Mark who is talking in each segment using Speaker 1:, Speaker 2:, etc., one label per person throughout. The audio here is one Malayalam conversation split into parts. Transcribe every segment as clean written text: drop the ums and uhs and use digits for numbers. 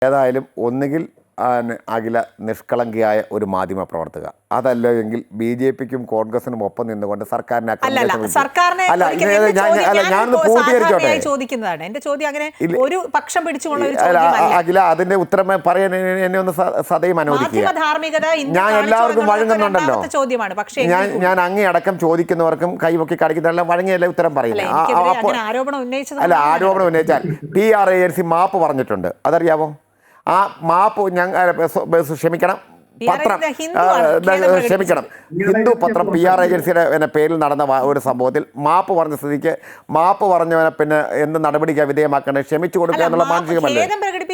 Speaker 1: ഏതായാലും ഒന്നുകിൽ അഖില നിഷ്കളങ്കിയായ ഒരു മാധ്യമ പ്രവർത്തക, അതല്ലെങ്കിൽ BJPക്കും കോൺഗ്രസിനും ഒപ്പം നിന്നുകൊണ്ട് സർക്കാരിനെ അഖില അതിന്റെ ഉത്തരം പറയാൻ എന്നെ ഒന്ന് സദയം അനുവദിക്കുക. ഞാൻ എല്ലാവർക്കും വഴങ്ങുന്നുണ്ടല്ലോ. ഞാൻ അങ്ങേയടക്കം ചോദിക്കുന്നവർക്കും കൈവക്കി കാണിക്കുന്നതെല്ലാം വഴങ്ങിയല്ലേ ഉത്തരം പറയുന്നത്. അല്ല, ആരോപണം ഉന്നയിച്ചാൽ PR ഏജൻസി മാപ്പ് പറഞ്ഞിട്ടുണ്ട്, അതറിയാവോ? ആ മാപ്പ് ക്ഷമിക്കണം ഹിന്ദു പത്രം PR ഏജൻസിയുടെ പേരിൽ നടന്ന ഒരു സംഭവത്തിൽ മാപ്പ് പറഞ്ഞ സ്ഥിതിക്ക് മാപ്പ് പറഞ്ഞവനെ പിന്നെ എന്ത് നടപടിക്കാ വിധേയമാക്കേണ്ടത്? ക്ഷമിച്ചു കൊടുക്കുക എന്നുള്ള മാനസികമല്ലേ?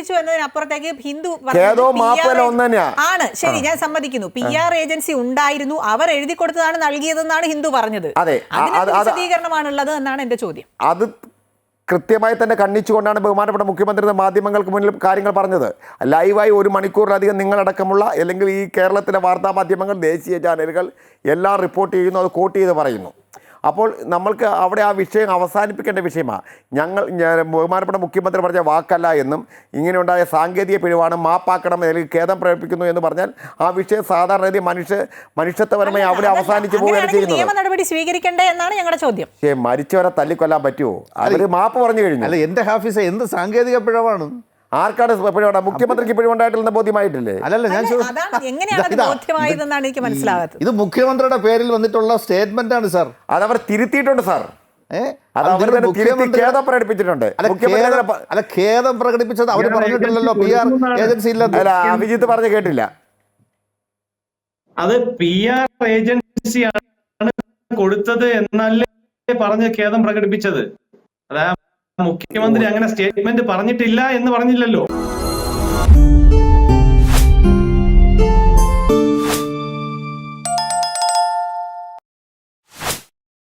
Speaker 1: ഖേദവും മാപ്പല്ല ഒന്ന് തന്നെയാ.
Speaker 2: ആണ്, ശരി, ഞാൻ സമ്മതിക്കുന്നു. PR ഏജൻസി ഉണ്ടായിരുന്നു, അവർ എഴുതി കൊടുത്തതാണ് നൽകിയതെന്നാണ് ഹിന്ദു പറഞ്ഞത്.
Speaker 1: അതെ,
Speaker 2: വിശദീകരണമാണുള്ളത് എന്നാണ് എന്റെ ചോദ്യം.
Speaker 1: അത് കൃത്യമായി തന്നെ കണ്ണിച്ചുകൊണ്ടാണ് ബഹുമാനപ്പെട്ട മുഖ്യമന്ത്രി മാധ്യമങ്ങൾക്ക് മുന്നിൽ കാര്യങ്ങൾ പറഞ്ഞത്. ലൈവായി 1 മണിക്കൂറിലധികം നിങ്ങളടക്കമുള്ള അല്ലെങ്കിൽ ഈ കേരളത്തിലെ വാർത്താ മാധ്യമങ്ങൾ, ദേശീയ ചാനലുകൾ എല്ലാം റിപ്പോർട്ട് ചെയ്യുന്നു, അത് കോട്ട് ചെയ്ത് പറയുന്നു. അപ്പോൾ നമ്മൾക്ക് അവിടെ ആ വിഷയം അവസാനിപ്പിക്കേണ്ട വിഷയമാണ്. ബഹുമാനപ്പെട്ട മുഖ്യമന്ത്രി പറഞ്ഞ വാക്കല്ല എന്നും ഇങ്ങനെ ഉണ്ടായ സാങ്കേതിക പിഴവാണ്, മാപ്പാക്കണം അല്ലെങ്കിൽ ഖേദം പ്രകടിപ്പിക്കുന്നു എന്ന് പറഞ്ഞാൽ ആ വിഷയം സാധാരണ മനുഷ്യത്വപരമായി അവിടെ അവസാനിച്ചു പോവുകയാണ് ചെയ്യുന്നത്.
Speaker 2: നിയമ നടപടി സ്വീകരിക്കണ്ടേ എന്നാണ് ഞങ്ങളുടെ ചോദ്യം.
Speaker 1: മരിച്ചവരെ തല്ലിക്കൊല്ലാൻ പറ്റുമോ? അവര് മാപ്പ് പറഞ്ഞു കഴിഞ്ഞു.
Speaker 3: അല്ല, എന്റെ ഹാഫീസ് എന്ത് സാങ്കേതിക പിഴവാണ്?
Speaker 1: ആർക്കാണ് പിഴവുണ്ടാ? മുഖ്യമന്ത്രിക്ക് പിഴവുണ്ടായിട്ടില്ലെന്ന് ബോധ്യമായിട്ടില്ലേ?
Speaker 3: അല്ലല്ല, ഞാൻ ഇത് മുഖ്യമന്ത്രിയുടെ പേരിൽ വന്നിട്ടുള്ള സ്റ്റേറ്റ്മെന്റ് ആണ് സാർ.
Speaker 1: അതവർ തിരുത്തിയിട്ടുണ്ട് സാർ. ഖേദം പ്രകടിപ്പിച്ചിട്ടുണ്ട്.
Speaker 3: അല്ല, ഖേദം പ്രകടിപ്പിച്ചത് അവർ പറഞ്ഞിട്ടില്ലല്ലോ. PR ഏജൻസി ഇല്ല.
Speaker 1: അല്ല, അഭിജിത്ത് പറഞ്ഞു കേട്ടില്ല.
Speaker 4: അത് PR ഏജൻസിയാണ് കൊടുത്തത് എന്നല്ലേ പറഞ്ഞ് ഖേദം പ്രകടിപ്പിച്ചത്. അതാ മുഖ്യമന്ത്രി അങ്ങനെ സ്റ്റേറ്റ്മെന്റ് പറഞ്ഞിട്ടില്ല എന്ന് പറഞ്ഞില്ലല്ലോ.